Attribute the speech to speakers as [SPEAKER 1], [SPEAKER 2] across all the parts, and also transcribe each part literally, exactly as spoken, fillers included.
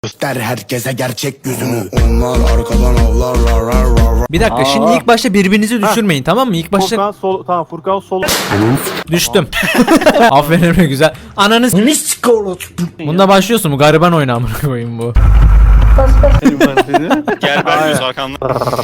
[SPEAKER 1] Der herkese gerçek yüzünü. Onlar arkadan avlarlar.
[SPEAKER 2] Bir dakika, şimdi ilk başta birbirinizi düşürmeyin, tamam mı? İlk başta
[SPEAKER 3] Furkan sol, tamam Furkan sol.
[SPEAKER 2] düştüm. Aferin Emre, güzel. Ananız. Bunda başlıyorsun, bu gariban oyunu amına koyayım bu.
[SPEAKER 4] Gel ben yüz arkandan.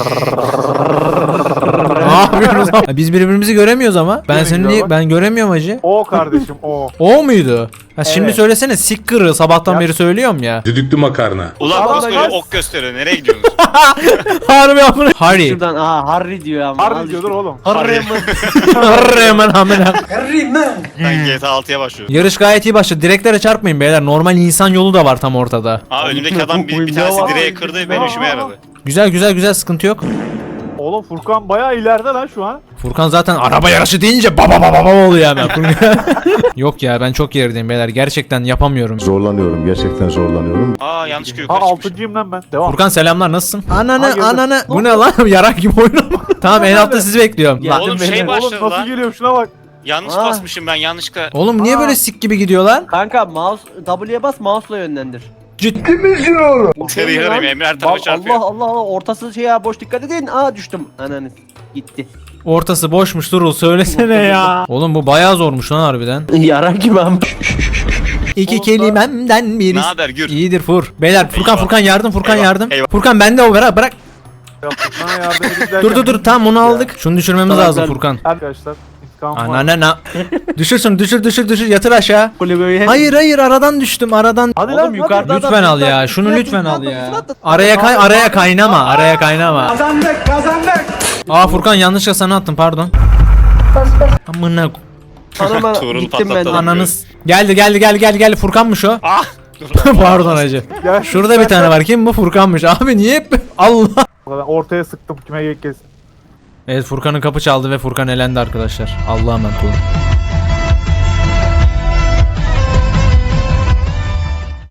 [SPEAKER 2] Ne yapıyorsunuz? Biz birbirimizi göremiyoruz ama. Ben
[SPEAKER 3] Yine
[SPEAKER 2] seni
[SPEAKER 3] güzel
[SPEAKER 2] niye
[SPEAKER 3] bak.
[SPEAKER 2] ben göremiyorum hacı.
[SPEAKER 3] O kardeşim o.
[SPEAKER 2] O muydu? Ha şimdi
[SPEAKER 3] Evet.
[SPEAKER 2] söylesene, sik kırığı, sabahtan
[SPEAKER 3] Ya-
[SPEAKER 2] beri söylüyorum ya.
[SPEAKER 5] Düdüklü makarna.
[SPEAKER 4] Ulan
[SPEAKER 3] Tamam,
[SPEAKER 4] koskoca
[SPEAKER 3] ben-
[SPEAKER 4] ok gösteriyor. Nereye gidiyorsunuz?
[SPEAKER 2] Harbi amına. Harry.
[SPEAKER 6] Şuradan aa Harry diyor ama.
[SPEAKER 3] Harbi diyordur oğlum.
[SPEAKER 6] Harry mi?
[SPEAKER 2] Harry hemen amına.
[SPEAKER 4] Ben G T A altıya başlıyorum.
[SPEAKER 2] Yarış gayet iyi başladı. Direklere çarpmayın beyler. Normal insan yolu da var tam ortada.
[SPEAKER 4] Aa önümdeki adam bir, bir tanesi direğe kırdı, benim işime yaradı.
[SPEAKER 2] Güzel güzel güzel, sıkıntı yok.
[SPEAKER 3] Oğlum Furkan bayağı ileride lan şu an.
[SPEAKER 2] Furkan zaten araba yarışı deyince baba baba baba oluyor hemen. Yok ya, ben çok gerideyim beyler. Gerçekten yapamıyorum.
[SPEAKER 7] Zorlanıyorum, gerçekten zorlanıyorum.
[SPEAKER 4] Aa yanlışlıkla
[SPEAKER 3] Ha
[SPEAKER 4] yukarı çıkmış.
[SPEAKER 3] altıncıyım lan ben. Devam.
[SPEAKER 2] Furkan selamlar, nasılsın? Ananı
[SPEAKER 3] Hayırdır?
[SPEAKER 2] ananı. Bu ne lan? Yarak gibi oyun. Tamam, en altta sizi bekliyorum. Lan-
[SPEAKER 4] Oğlum şey
[SPEAKER 3] Oğlum
[SPEAKER 4] başladı
[SPEAKER 3] nasıl
[SPEAKER 4] lan.
[SPEAKER 3] geliyor şuna bak.
[SPEAKER 4] Yanlış
[SPEAKER 6] Aa.
[SPEAKER 4] basmışım ben yanlışlıkla.
[SPEAKER 2] Oğlum niye
[SPEAKER 3] Aa.
[SPEAKER 2] böyle sik gibi gidiyorlar?
[SPEAKER 6] Kanka mouse W'ye bas, mouse'la yönlendir.
[SPEAKER 2] Ciddi.
[SPEAKER 4] Yarı yarım Emre her tarafa
[SPEAKER 6] Allah
[SPEAKER 4] çarpıyor.
[SPEAKER 6] Allah Allah ortası şey ya, boş dikkat edin. Aa düştüm. Ananı gitti.
[SPEAKER 2] Ortası boşmuş, Durul söylesene ya. Oğlum bu bayağı zormuş lan harbiden.
[SPEAKER 6] Yarar gibi ama.
[SPEAKER 2] İki kelimemden biri.
[SPEAKER 4] Ne haber Gür?
[SPEAKER 2] İyidir Fur. Beyler Furkan
[SPEAKER 4] Eyvah.
[SPEAKER 2] Furkan yardım, Furkan
[SPEAKER 4] Eyvah,
[SPEAKER 2] yardım.
[SPEAKER 4] eyvah.
[SPEAKER 2] Furkan bende o, bırak bırak.
[SPEAKER 3] Ya Furkan'a yardım edin derken-
[SPEAKER 2] Dur dur dur, tamam onu aldık. Şunu düşürmemiz
[SPEAKER 6] Tamam,
[SPEAKER 2] lazım
[SPEAKER 6] ben-
[SPEAKER 2] Furkan.
[SPEAKER 3] Arkadaşlar intikam var.
[SPEAKER 2] Ananana. Düşür şunu, düşür düşür düşür, yatır aşağı.
[SPEAKER 6] Kulübeyi.
[SPEAKER 2] Hayır hayır, aradan düştüm aradan.
[SPEAKER 3] Hadi
[SPEAKER 6] Oğlum
[SPEAKER 3] lan
[SPEAKER 6] yukarıda
[SPEAKER 3] hadi.
[SPEAKER 2] Lütfen al ya, şunu lütfen al ya. Araya kay, araya kaynama, araya kaynama.
[SPEAKER 3] Kazandık kazandık.
[SPEAKER 2] Aa Furkan, yanlışlıkla sana attım, pardon. Amına
[SPEAKER 6] Anama
[SPEAKER 4] Tuğrul
[SPEAKER 6] gittim ben.
[SPEAKER 4] patlatalım.
[SPEAKER 2] ananız. Geldi geldi geldi geldi geldi, Furkanmış o.
[SPEAKER 4] Ah!
[SPEAKER 2] Pardon hacı.
[SPEAKER 3] Gel.
[SPEAKER 2] Şurada bir tane var, kim bu? Furkanmış. Abi niye hep Allah.
[SPEAKER 3] Ben ortaya sıktım kime kesin.
[SPEAKER 2] Evet, Furkan'ın kapı çaldı ve Furkan elendi arkadaşlar. Allah'a emanet olun.